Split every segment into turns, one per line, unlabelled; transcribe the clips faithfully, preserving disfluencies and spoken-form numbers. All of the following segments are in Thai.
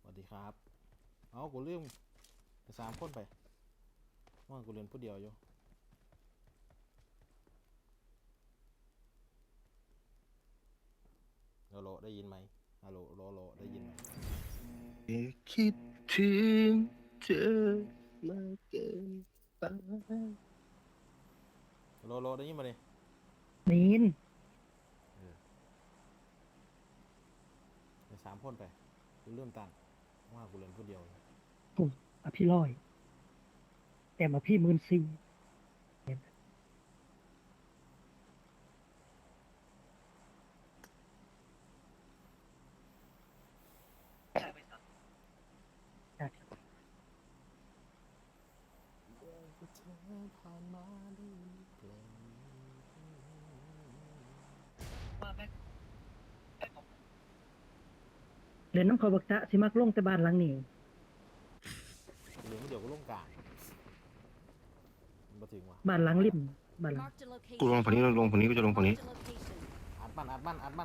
วัสดีครับเอากูลืมสามคนไปว่ากูเรียนผู้เดียวอยู่ฮัลโหลได้ยินไหมฮัลโหลโลโลได้ยินไหม
คิดถึงเธอมากเกินไป
โลโลได้ยินมาเลย
นีน
สามคนไปกูลืมตังว่ากูเรียนผู้เดียวอยู่
ผมอภิร้อยแต่มาพี่หมื่นสี่เห็นจาก
เธอผ่านมาได้เปล่า
เรียนน้ำเขาบักตะสิมักลงแต่บ้านหลังนี้
กูเรียนผู้เดียวกูลงกลางมันมาถึงว่ะ
บ้านหลังริมบ้านหลัง
Marked a
กูลง
location.
ฝั่งนี้ลงฝั่งนี้กูจะลงฝั่งนี้
Marked a location.
อัดมันอัดมันอัดมัน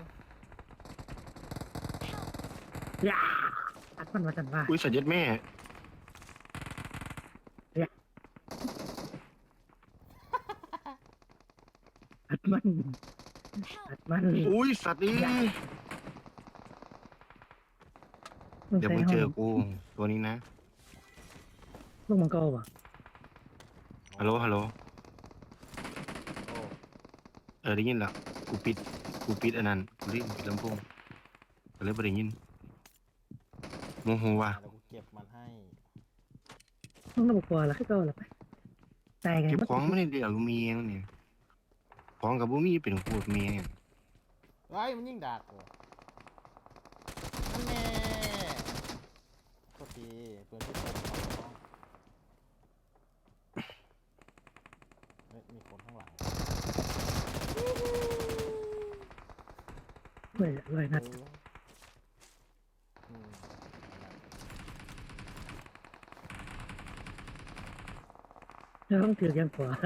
ยาอัดมันว่าสันว่า
อุ้ยสัตว์ยัดแม่
อัดมันอัดมัน
อุ้ยสัตว์นี่
ลง
เดี๋ยว
ใส่
มึง
ห้
เจ
อ
อง กูตัวนี้นะ
ลงมังกรว่ะ
ฮัลโหลฮัลโหล
โอ้
เออได้ยินละกูปิดกูปิดอันนั้นกูรีบปิดลำโพงก็เลยไม่ได้ยินโมโหว่ะ
เดี๋ยวกูเก็บมันให้
ลงน้ำมังกรละคือเก่าละไปตายกัน
เก็บของไม่ได้เดี๋ยวกูมีเองเนี่ยของกับบุมีเป็นขวดเมีย
เฮ้ยมันยิ่งดักกูนั่นแน่โทษทีเพื่อนที่เติมของน้องเฮ้ยมีคนข้างหลัง
เลยเลยนัด
เอออืม
แล้วต้องถือยังกว่า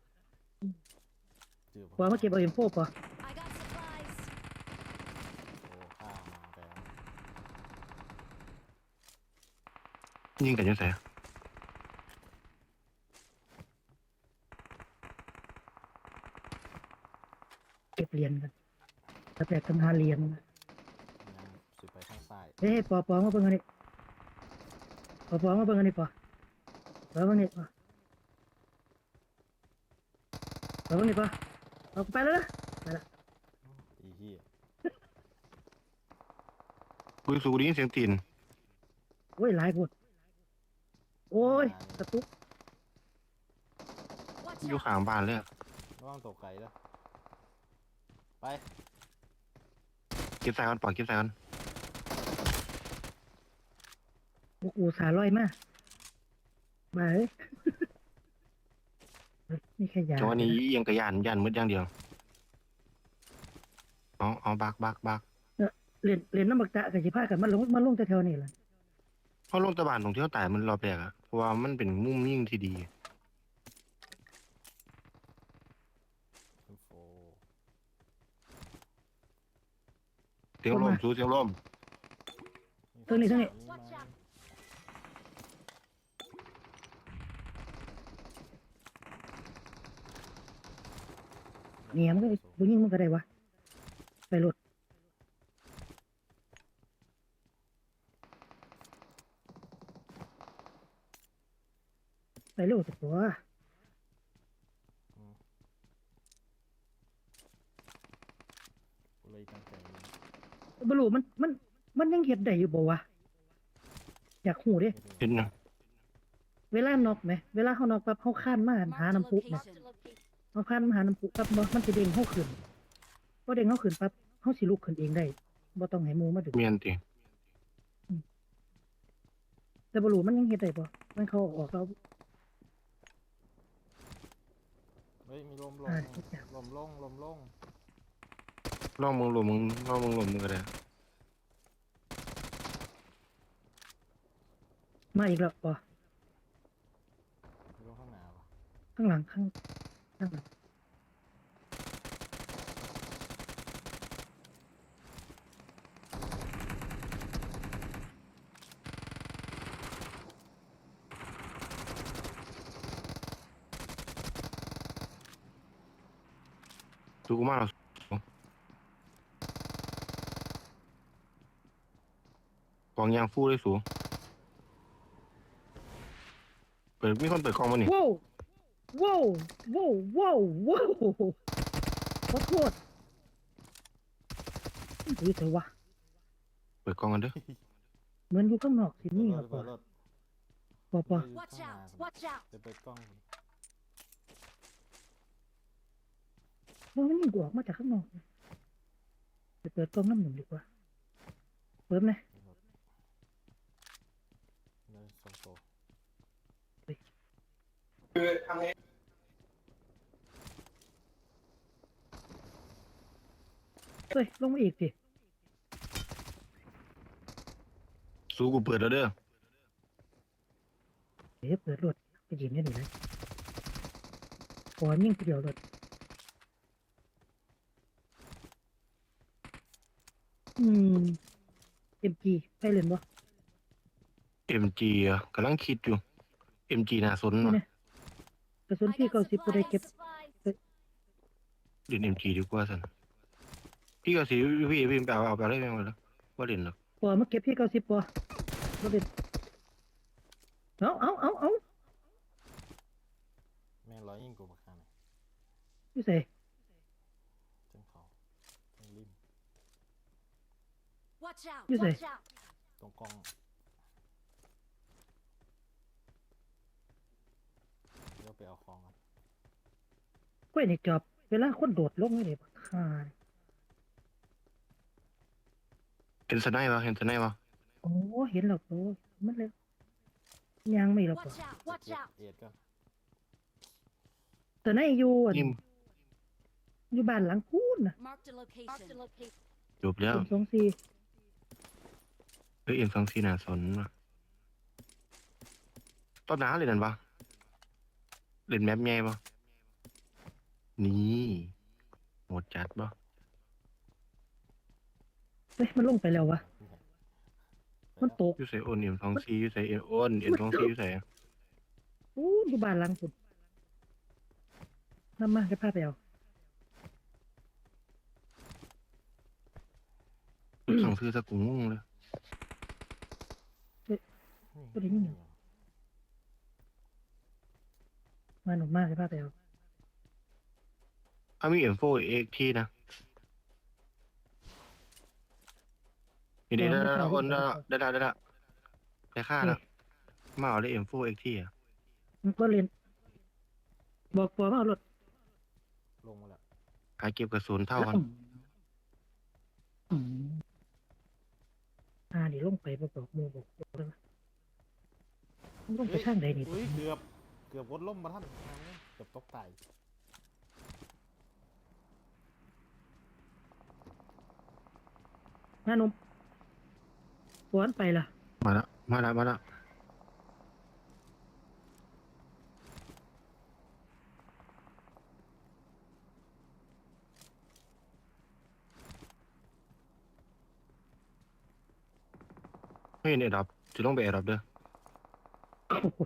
เจอ
กว่ามาเก็บเอาเอ็มโฟป่ะ
I got supplies.
โอ้ข้ามาแต่
ยิงกันยังไง
เก็บเหรียญกันแล้วแต่ทำหาเหรียญ
ยังสุดไปข้างซ้าย
เฮ้ยปอปอมาเบิ่งอันนี้ปอปอมาเบิ่งอันนี้ปอปอเบิ่งนี่ปอปอเบิ่งนี่ปอเอาไปแล้วนะไปละ
อีเหี้ย
กูสูได้ยินเสียงตีน
โอ้ยหลายคนโอ้ยกระตุก
Watch
อยู่
out.
ข้างบ้านเลย
ระวังตกไก่แล้วไป
เก็บใส่กันปล่อยเก็บใส่กัน
โอ้โหสาลอยมากมาเฮ้ยนี่แค่ยา
จังหวะนี้ยังกระยานยานมืดอย่างเดียวเอาเอาบักบักบัก
เรียนเรียนน้ำบักตะกับสิพากันมันลงมันลงแต่แถวนี้แหละ
เพราะลงตะบานตรงที่เขาตายมันรอบแรกอะเพราะว่ามันเป็นมุมยิ่งที่ดี
อินโฟ
เสียงลมสู้เสียงลม
ตรงนี้ตรงนี้
Watch out.
เนี่ยมันก็บุญยิ่งมันก็ได้วะไปรถไปเร็วสักตัว
กูเลยตั้งใจ
บรูมันมันมันยังเห็ดได้อยู่บ่วะอยากหูเด้
เห็นนะ
เวลานอกไหมเวลาเขานอกปั๊บเขาข้านมาหา
Marked a
น้ำพุไหม
location.
เขาข้านมาหาน้ำพุปั๊บบ่มันจะเด้งเขาขึ้นพอเด้งเขาขึ้นปั๊บเขาสิลุกขึ้นเองได้บ่ต้องให้หมูมาดึง
เมียนติ
แต่บรูมันยังเห็ดได้บ่มันเขาออกเรา
เฮ้ยมีลมลง
อ่าทุกอย่าง
ลมลงลมลง
ลองมึงลมมึงลองมึงลมมึงก็ได้
มาอีกแล้วป่ะ
มีลมข้างหน้าวะ
ข้างหลังข้างข้างหลัง
ดูกูมาแล้วกองยางฟูเลยสูเปิดมีคนเปิดกล้องมานี่
ว้าวว้าวว้าวว้าวว้าวขอโทษดูเถอะวะ
เปิดกล้องกันเด้อ
เหมือนอยู่ข้างนอกสิ
เปิด
นี่
ร
ครั
ถ
บ
เปิดรถ
ปอปอ
อยู่
Watch
ข้างหน้า
out! Watch out!
จะเปิดกล้อง
ว่ามันยิงกูออกมาจากข้างนอกไปเปิดกล้องน้ำหนึ่งดีกว่าเปิดไหม
เดินสองโต
เฮ้ยลงมาอีกสิ
สูกูเปิดแล้วเด้อ
เดี๋ยวเปิดรถไปยิงได้หนิเลยปอนยิ่งเดียวรถอืมเอ็มจีไปเล่นบ่
เอ็มจีอ่ะกำลังคิดอยู่เอ็มจีน่าสน
นี่
ว่ะ
นะกระสุน
I
พี่
got
เก้าสิบก็ได้
supplies.
เก็บ
supplies.
เล่นเอ็มจีดีกว่าสันพี่ก็สิพี่พี่ไปเอาเอาไปได้ยังไงล่ะว่าเล่นหรอก
ปอมาเก็บพี่เก้าสิบปอมาเล่นเอาเอาเอาเอา
แม่งร้อยยิ่งกูบักข้างไหน
พี่ใส่
จังเขาจังริม
Watch out!
You say?
Watch out!
ตรงกล้องเดี๋ยวไปเอาของกัน
กล้วยในจอบเวลาคนโดดลงไม่ได้บักค่า
เห็นสไนป์วะเห็นสไนป์วะ
โอ้เห็นหรอกโอ้มันเลยยังไม่หรอก
Watch out! Watch
เอ็ด
out!
เอ็ดก็
แต่ในอยู่อั่น
นิ่ม
อยู่บ้านหลังพูนน่ะ
Marked a location. Marked a location.
จบแล้ว
สองสองสี่
เฮ้ยเอ็มสองซีน่าสนว่ะตอนน้าเล่นนั่นปะเล่นแมปใหญ่ปะนี่โหดจัดปะ
เฮ้ยมันลงไปแล้ววะมันตก
อยูใส่โอนเอ็มสองซีอยูใส่เอ็มโอนเอ็มสองซีอยูใส่
พูนอยู่บ้านหลังพูนนำมาจะพาไปเอา
สั่งซื้อสักกูงงเลย
ก็ได้ยินอยู่ มาหนุ่มมากจะพาไปเอา
อ่ะมีเอ็มโฟเอ็กทีนะนี่ได้ได้ได้โอนได้ได้ได้ได้ได้ค่าแล้วมาเอาได้เอ็มโฟเอ็กทีอ่ะ
มันก็เรียนบอกปอมาเอารถ
ลงมาแล้ว
หาเก็บกระสุนเท่ากัน
อืมอ่าเดี๋ยวลงไปบอกบอกหมูบอกบอกเลยว่ามันลงไปข้างใดนี่
อุ้ยเกือบเกือบวดล่มมาท่านเกือบตกไต
มาหนุ่มปอนไปล่ะ
มาแล้วมาแล้วมาแล้วเฮ้ยเนี่ยดับจะต้องไปแอร์ดับเด้อ
โอ้โห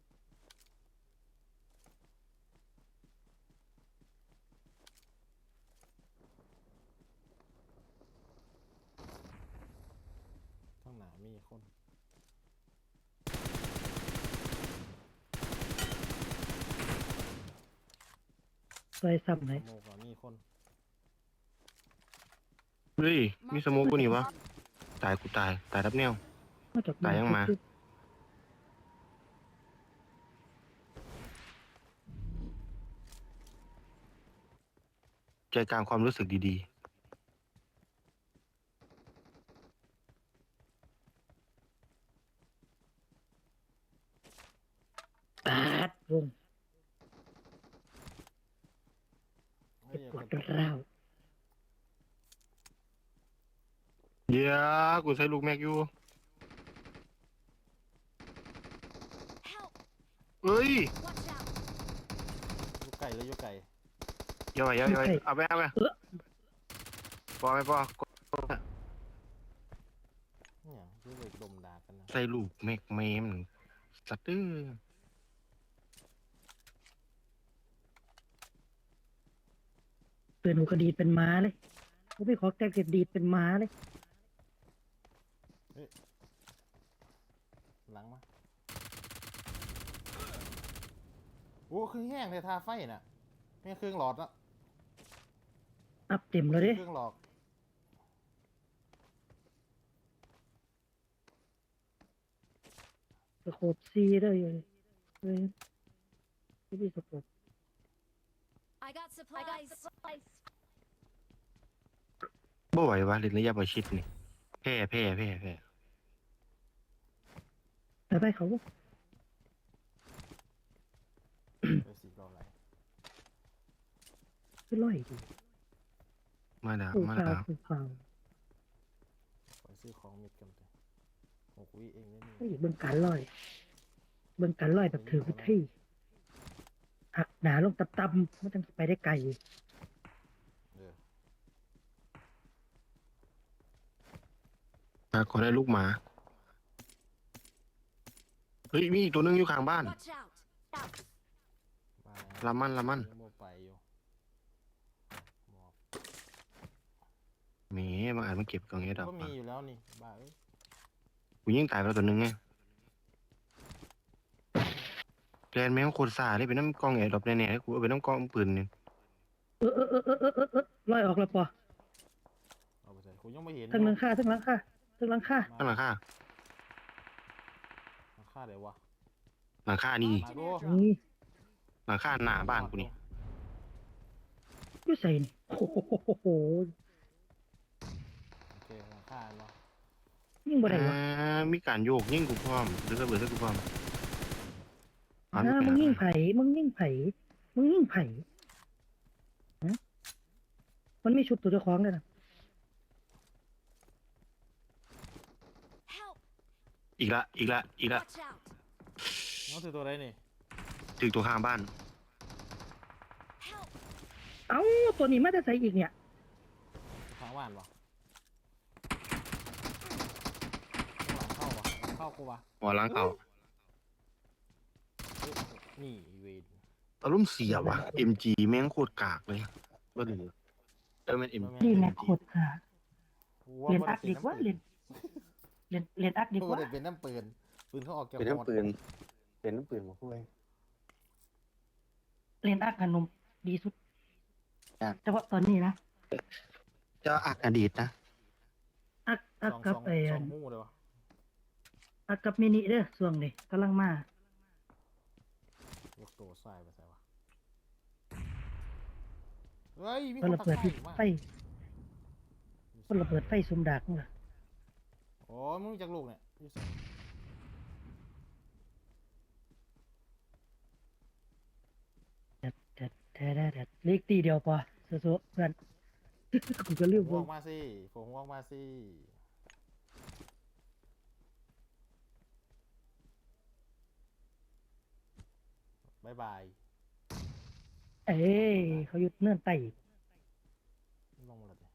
ข้างหน้ามีคน
ซอยซ้ำไหน
โมกว่ามีคน
เฮ้ยมีสโมกกูนี่วะตายกูตายตายรับแนว
มาจาก
ตายยังมา ใจกลางความรู้สึกดี
ปาดวง
เฮ้
เจ็
ย
บ
อย่า
ปวด
กระตุก
ร้าว
ๆเดี๋ยวกูใช้ลูกแม็กอยู่
Help!
เอ้ย
Watch out!
อยู่ไก่เลยอยู่ไก่
อย่าไปอย่าไปเอาไปเอาไปปอไปปอ
เนี่ยอยู่เลยดมด่ากันนะ
ใส่ลูกแม็กเมมสัตว์เด้อ
เตือนหูกระดีดเป็นม้าเลยกูไม่ขอแกเก็บดีดเป็นม้าเลย
หลังมาโอ้คือแห้งเลยทาไฟน่ะไม่เครื่องหลอดละ
อัพเต็มแล้วเด้
เครื่องหลอด
สโคปซีได้เลยเฮ้ยที่พี่สโคป
I got supplies. I got supplies.
บ่ไหววะเล่นระยะประชิดนี่แพ้แพ้แพ้แพ้
ไปไปเขาบ่
เดี๋ยวสีรออะไร
ขึ้นร้อยดี
มาแล้ว
คู่
มา
ข่าว
แล้ว
คู่ข่าว
ขอซื้อของเม็ดกันเถอะหกวิเองได้นี่
เฮ้ยเบิ่งการร้อยเบิ่งการร้อยแบบถือวิธีหักหนาลงตับๆมันจังสิไปได้ไกล
เออ
มาขอได้ลูกหมาเฮ้ยมีอีกตัวหนึงอยู่ข้างบ้าน
Watch out. Out.
มาแล้ว
ละมันละมัน
ยังโมไปอยู่หมอบ
แหมบางอาจมันเก็บกล่องเอดอก
ก็มีอยู่แล้วนี่บ้าเอ้ย
กูยิงตายไปแล้วตัวหนึงไงแกนแม่งโคตรซ่าเลยเป็นน้ำกล่องเอดอกแน่ๆกูเอาไปน้ำกล่องปืนนี่
เออเออเออเออเออเออเออร้อยออกแล้วปอ
เอาไปใส่กูยังไม่เห็น
ทั้งหลังคาทั้งหลังคาทั้งหลังคา
ข้างหลังคา
หลังคาเดี๋ยววะ
หลังคานี่
มาดู
นี่
หลังคาหน้าบ้านกูนี่
อยู่ใส่นี่โอ้โห
โอเคหลังคาเนาะ
ยิ่งบ่ได้วะ
อ่ามีการโยกยิงกูพร้อมหรือระเบิดให้กูพร้อม
อ่ามึงยิ่งไผ่มึงยิ่งไผ่มึงยิ่งไผ่ฮะมันไม่ชุบตัวเจ้าของเลยนะ
Help.
อีกละอีกละอีกละ
Watch out.
น้องถือตัวอะไรนี่
ถึงตัวข้างบ้าน
Help.
เอ้าตัวนี้มาจะใส่อีกเนี่ย
ทางบ้านวะหลังเข้าวะหลังเข้ากูวะ
หัวหล้างเก่า
เฮ้ยนี่เวน
อารมณ์เสียว่ะ เอ็ม จี แม่งโคตรกากเลยว่าหรือเออมัน เอ็ม จี
นี่แม็กโคตรค่ะ
กู
เรียน
บ่
อั
ได้
กดีกว่าเรียนเรียนเรียนอักดี
กู
ก
บ่
ว่า
ได้เป็นน้ำปืนปืนเขาออกจาก
เป็น
หม
น้ำ
ด
ปืนเป็นน้ำปืนมาคุย
เรียนอักขนมดีสุด
ครับ
แต่ว่าตอนนี้นะ
จะอักอดีตนะ
อักอัก
สอง
กับ
สอง
ไอ้
ส
อั
อง
น
หูเลยวะ
อักกับมินิเด้อส่วงนี่กำลังมาย
กตัวใส่ไปใส่วะเฮ้ยมี
ก็
คน
ระ
ตะ
เบิด
ไคร้มา
ไฟก็ระเบิดไฟซุมดักนี่ล่ะ
โอ้ยมึงจากลูกเนี่ยอยู่ใส่
แดดแดดแดดแดดเล็กตีเดียวพอสู้ๆเพื่อน กูก็ลืม
หัว
เบิ่
อง อกมาสิผมหัวออกมาสิบายบาย
เอ้ยเขาหยุดเนื่อนไต
ลงมาเลยดิ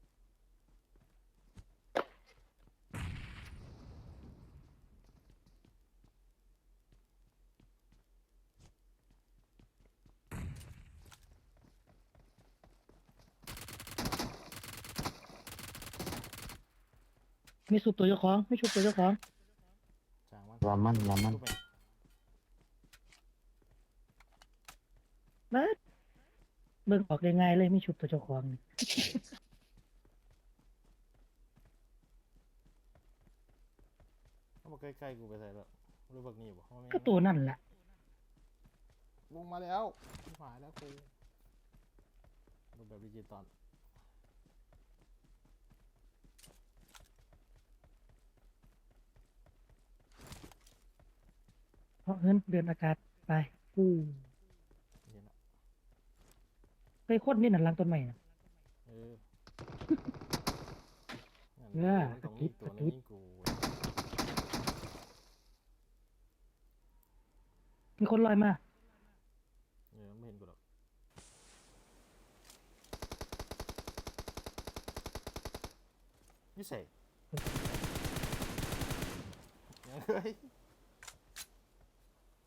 มีสุบตัวเจ้าของไม่ชุบตัวเจ้าของ
จางมัน
รามันรามัน
ทุบไป
เบิดเบิ่งออกได้ง่ายเลยไม่ชุบตัวเจ้าของนี่
เขาบอกใกล้ๆกูไปใส่แล้วรู้บักนี่บอกเขาไม่
ก็ตัวนั่นแหละ
ลงมาแล้วหายแล้วกูรูปแบบดิจิตอล
เพราะเงินเดือนอากาศไปอู้
เห็นละ
ไปโคตรนี่นั่นหลังต้นใหม่น่ะ
เออ
เออ
มันตรงนี้ตัวนี้กู
มีคนลอยมา
เออไม่เห็นกูหรอกนี่ใส่เฮ้ย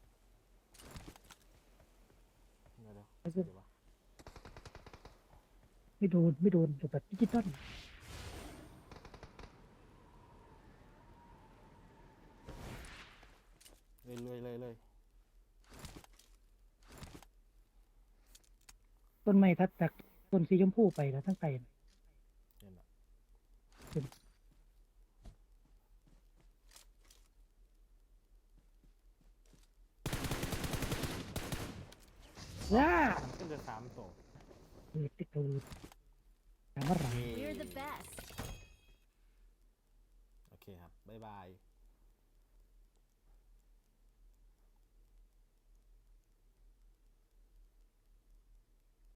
เดี๋ยวเดี๋ยวเดี๋ยววะ
ไม่โดนไม่โดนแบบดิจิตอล
เลยเลยเลยเลย
ต้นไม้ทัดจากต้นสีชมพูไปแล้วทั้งไต
เห็นปะ
ว้า
ขึ้นจะสามโต
เออติดตูดถามว่าไร
เย้
We're the best.
โอเคครับ บ๊ายบาย